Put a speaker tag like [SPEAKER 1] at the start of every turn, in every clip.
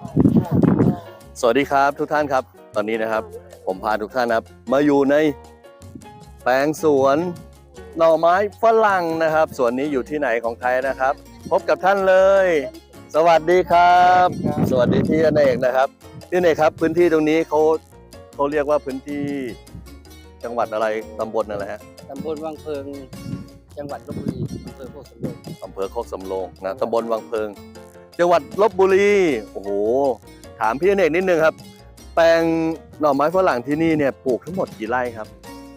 [SPEAKER 1] สวัสดีครับทุกท่านครับตอนนี้นะครับผมพาทุกท่านนะครับมาอยู่ในแปลงสวนหน่อไม้ฝรั่งนะครับสวนนี้อยู่ที่ไหนของไทยนะครับพบกับท่านเลย สวัสดีครับ สวัสดีพี่อเนกนะครับพี่อเนกครับพื้นที่ตรงนี้เขาเรียกว่าพื้นที่จังหวัดอะไรตำบลอะไรฮะ
[SPEAKER 2] ตำบลวังเพิงจังหวัดลบบุรีอำเภอโคกสำโรง
[SPEAKER 1] อำเภอโคกสำโรงนะตำบลวังเพิงจังหวัดลบบุรีโอ้โหถามพี่อเนกนิดนึงครับแปลงหน่อไม้ฝรั่งที่นี่เนี่ยปลูกทั้งหมดกี่ไร่ครับ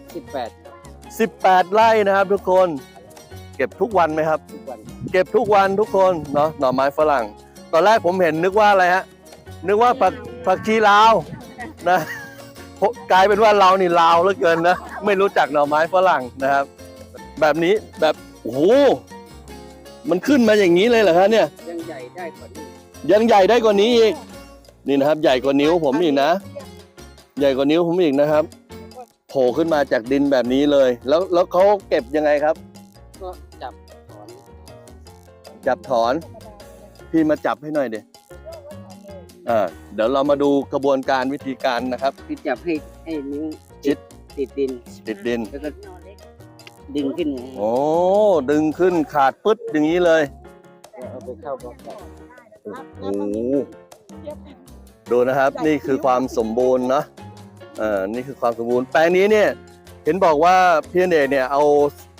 [SPEAKER 2] 18
[SPEAKER 1] 18 ไร่นะครับทุกคนเก็บทุกวันไหมครับ
[SPEAKER 2] ทุกวัน
[SPEAKER 1] เก็บทุกวันทุกคนเนาะหน่อไม้ฝรั่ง ตอนแรกผมเห็นนึกว่าอะไรฮะนึกว่าผักชีลาวนะกลายเป็นว่าเรานี่ลาวเหลือเกินนะไม่รู้จักหน่อไม้ฝรั่งนะครับแบบนี้แบบโอ้โหมันขึ้นมาอย่างนี้เลยเหรอครับเนี่ย
[SPEAKER 2] ยังใหญ่ได้กว่านี้
[SPEAKER 1] ยังใหญ่ได้กว่านี้อีกนี่นะครับใหญ่กว่านิ้วผมอีกนะใหญ่กว่านิ้วผมอีกนะครับโผล่ขึ้นมาจากดินแบบนี้เลยแล้วเขาเก็บยังไงครับ
[SPEAKER 2] ก็จับถอน
[SPEAKER 1] จับถอนพี่มาจับให้หน่อยดิเดี๋ยวเรามาดูกระบวนการวิธีการนะครับ
[SPEAKER 2] คือจับให้นิ้ว
[SPEAKER 1] ชิด
[SPEAKER 2] ติดดิน
[SPEAKER 1] ติดดิน
[SPEAKER 2] แล้วก็ดึงขึ้น
[SPEAKER 1] โอ้ดึงขึ้นขาดปึ๊ดอย่างนี้เลย
[SPEAKER 2] เอาไปเข้าบล็อกได้
[SPEAKER 1] โอ้โหดูนะครับนี่คือความสมบูรณ์เนาะนี่คือความสมบูรณ์แปลงนี้เนี่ยเห็นบอกว่าพี่อเนกเนี่ยเอา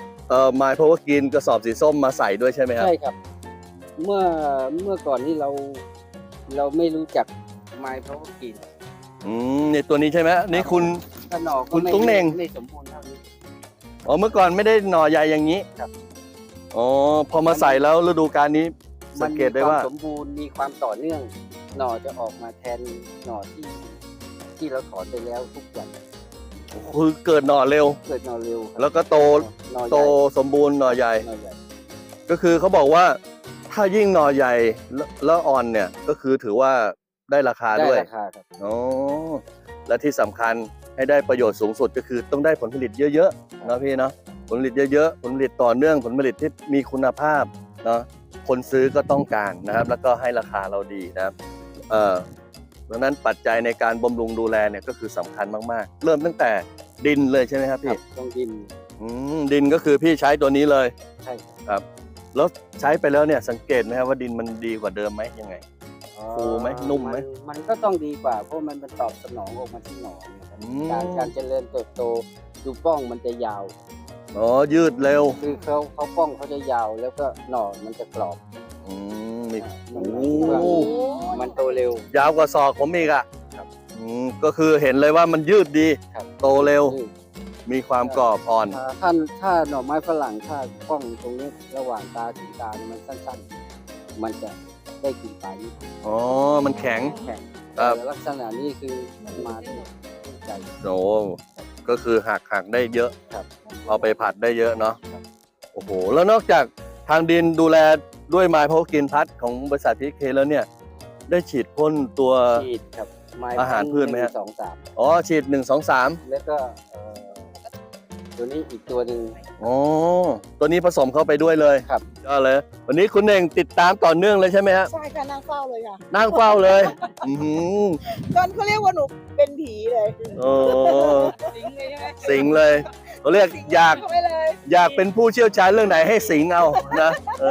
[SPEAKER 1] My Power Green กระสอบสีส้มมาใส่ด้วยใช่ไหมครับ
[SPEAKER 2] ใช่ครับ เมื่อก่อนที่เราไม่รู้จักไม้เพราะว่ากิน
[SPEAKER 1] ในตัวนี้ใช่ไหมนี่คุณ
[SPEAKER 2] ขนอก
[SPEAKER 1] คุ
[SPEAKER 2] ก็
[SPEAKER 1] ณตุ้งเหน่ง
[SPEAKER 2] ไม่สมบูรณ์เท่านี้
[SPEAKER 1] อ๋อเมื่อก่อนไม่ได้หน่อใหญ่อย่างนี้
[SPEAKER 2] ครับ
[SPEAKER 1] อ๋อพอมาใส่แล้วฤดูกาลนี้สังเกตได้ว่า
[SPEAKER 2] นมีควมสมบูรณ์มีความต่อเนื่อง หน่อจะออกมาแทนหน่อที่เราถอนไปแล้วทุกวัน
[SPEAKER 1] คือเกิดหน่อเร็ว
[SPEAKER 2] เกิดหน่อเร็วครับ
[SPEAKER 1] แล้วก็โต
[SPEAKER 2] หน่อให
[SPEAKER 1] โต
[SPEAKER 2] ญ่
[SPEAKER 1] สมบูรณ์หน่อใหญ่
[SPEAKER 2] หน่อใหญ่
[SPEAKER 1] ก็คือเขาบอกว่าถ้ายิ่งหน่อใหญ่แล้วอ่อนเนี่ยก็คือถือว่าได้ราคา
[SPEAKER 2] ได้
[SPEAKER 1] ด้วย
[SPEAKER 2] ราคาครับ
[SPEAKER 1] อ๋อและที่สำคัญให้ได้ประโยชน์สูงสุดก็คือต้องได้ผลผลิตเยอะๆนะพี่เนาะผลผลิตเยอะๆผลผลิตต่อเนื่องผลผลิตที่มีคุณภาพเนาะคนซื้อก็ต้องการนะครับ แล้วก็ให้ราคาเราดีนะครับดังนั้นปัจจัยในการบำรุงดูแลเนี่ยก็คือสำคัญมากๆเริ่มตั้งแต่ดินเลยใช่ไหมครับ
[SPEAKER 2] ครั
[SPEAKER 1] พี่
[SPEAKER 2] บต้องดิน
[SPEAKER 1] ดินก็คือพี่ใช้ตัวนี้เลย
[SPEAKER 2] ใช่ครับ
[SPEAKER 1] ครับแล้วใช้ไปแล้วเนี่ยสังเกตไหมครับว่าดินมันดีกว่าเดิมไหมยังไง ฟูไหมนุ่มไหม
[SPEAKER 2] มันก็ต้องดีกว่าเพราะมันตอบสนองออกมาที่หน่อนะครับ
[SPEAKER 1] อืม
[SPEAKER 2] การเจริญเติบโตดูป้องมันจะยาว
[SPEAKER 1] อ๋อยืดเร็ว
[SPEAKER 2] คือเขาป้องเขาจะยาวแล้วก็หน่อมันจะกรอบ
[SPEAKER 1] นี่
[SPEAKER 2] มัน
[SPEAKER 1] โอ้
[SPEAKER 2] มันโตเร็ว
[SPEAKER 1] ยาวกว่าศอกผมอีกอ่ะ
[SPEAKER 2] ครับ
[SPEAKER 1] ก็คือเห็นเลยว่ามันยืดดี
[SPEAKER 2] ครับ
[SPEAKER 1] โตเร็ว
[SPEAKER 2] นี่
[SPEAKER 1] มีความกรอบอ่อน
[SPEAKER 2] ถ้าหน่อไม้ฝรั่งถ้าป้องตรงนี้ระหว่างตาถึงตาเนี่ยมันสั้นๆ มันจะได้กลิ่นปลายนิด
[SPEAKER 1] อ๋อมันแข็ง
[SPEAKER 2] แข็ง
[SPEAKER 1] ครับ
[SPEAKER 2] แต่ลักษณะนี้คือมาที่ใจ
[SPEAKER 1] โอ้ก็คือหักได้เยอะ
[SPEAKER 2] ครับ
[SPEAKER 1] เอาไปผัดได้เยอะเนาะโอ้โหแล้วนอกจากทางดินดูแลด้วยไม้พาวกินพัดของบริษัทพีเคแล้วเนี่ยได้ฉีดพ่นตัว
[SPEAKER 2] ฉีดครับไม้
[SPEAKER 1] อาหารพืชไหมฮะ
[SPEAKER 2] 1 2 3
[SPEAKER 1] อ๋อฉีด1 2 3
[SPEAKER 2] แล้วก็ตัวนี้อีกตัวหนึ่ง
[SPEAKER 1] อ๋อตัวนี้ผสมเข้าไปด้วยเลย
[SPEAKER 2] ครับ
[SPEAKER 1] ก็เลย วันนี้คุณเองติดตามต่อเนื่องเลยใช่ไหมฮะ
[SPEAKER 3] ใช่ค่ะนั่งเฝ้าเลยค่ะ
[SPEAKER 1] นั่งเฝ้าเลย อือหือ
[SPEAKER 3] จนเขาเรียกว่าหนูเป็นผีเลย
[SPEAKER 1] โอ้
[SPEAKER 3] สิงเลยใช่ไหม
[SPEAKER 1] สิงเลยเขาเรียกอยาก
[SPEAKER 3] เข้าไปเลย
[SPEAKER 1] อยากเป็นผู้เชี่ยวชาญเรื่องไหนให้สิงเอานะ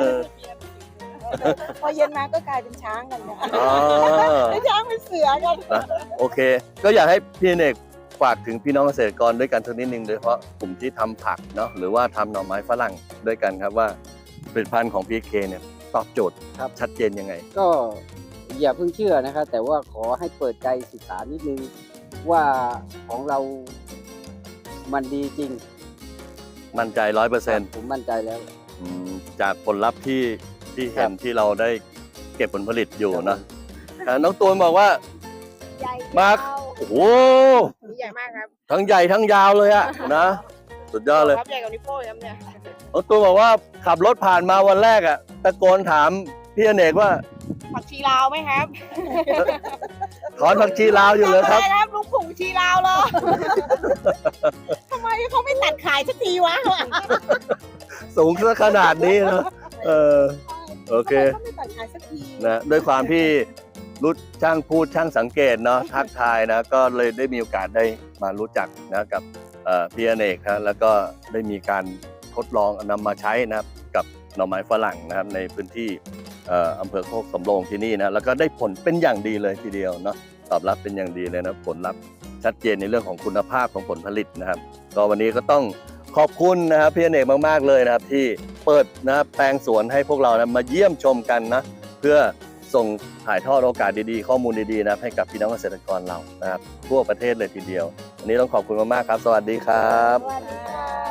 [SPEAKER 3] พอเย็นมาก็กลายเป็นช้างกันค่ะ
[SPEAKER 1] อ๋อ
[SPEAKER 3] เป็นช้างเป็นเสือกัน
[SPEAKER 1] นะโอเค ก็อยากให้พี่เนกฝากถึงพี่น้องเกษตรกรด้วยกันสักนิดนึงโดยเฉพาะกลุ่มที่ทำผักเนาะหรือว่าทำหน่อไม้ฝรั่งด้วยกันครับว่าผลิตภัณฑ์ของพีเคเนี่ยตอบโจทย์
[SPEAKER 2] ครับ
[SPEAKER 1] ชัดเจนยังไง
[SPEAKER 2] ก็อย่าเพิ่งเชื่อนะครับแต่ว่าขอให้เปิดใจศึกษานิดนึงว่าของเรามันดีจริง
[SPEAKER 1] มั่นใจ 100%
[SPEAKER 2] ผมมั่นใจแล้ว
[SPEAKER 1] จากผลลัพธ์ที่เห็น
[SPEAKER 2] ครับ
[SPEAKER 1] ที่เราได้เก็บผลผลิตอยู่นะน้องตูนบอกว่า
[SPEAKER 3] ใหญ่
[SPEAKER 1] มาร์ค
[SPEAKER 3] ยาว
[SPEAKER 1] โอ้โห
[SPEAKER 3] ใหญ่มากครับ
[SPEAKER 1] ทั้งใหญ่ทั้งยาวเลยอะนะสุดยอดเลย
[SPEAKER 3] ครับใหญ่กว่านิ้วโป้งครับเนี่ย
[SPEAKER 1] น้องตูนบอกว่าขับรถผ่านมาวันแรกอะตะโกนถามพี่อเนกว่า
[SPEAKER 3] ผักชีลาวไหมครับ
[SPEAKER 1] ถอนผักชีลาวอยู่เลยครับ
[SPEAKER 3] ทำไมครับลุงผงชีลาวเหรอ ทำไมเขาไม่ตัดขายสักทีวะ
[SPEAKER 1] สูงซะขนาดนี้นะโอเค
[SPEAKER 3] ทำไมเขาไม่ตัดขายสักที
[SPEAKER 1] นะด้วยความที่รู้ช่างพูดช่างสังเกตเนาะทักทายนะก็เลยได้มีโอกาสได้มารู้จักนะกับพี่อเนกนะแล้วก็ได้มีการทดลองนำมาใช้นะครับกับหน่อไม้ฝรั่งนะครับในพื้นที่อำเภอโคกสำโรงที่นี่นะแล้วก็ได้ผลเป็นอย่างดีเลยทีเดียวเนาะตอบรับเป็นอย่างดีเลยนะผลลัพธ์ชัดเจนในเรื่องของคุณภาพของผลผลิตนะครับก็วันนี้ก็ต้องขอบคุณนะครับพี่อเนกมากๆเลยนะครับที่เปิดนะครับแปลงสวนให้พวกเรานะมาเยี่ยมชมกันนะเพื่อส่งถ่ายทอดโอกาสดีๆข้อมูลดีๆนะครับให้กับพี่น้องเกษตรกรเรานะครับทั่วประเทศเลยทีเดียววันนี้ต้องขอบคุณมากๆครับสวัสดีครับ
[SPEAKER 3] สวัสดีค่ะ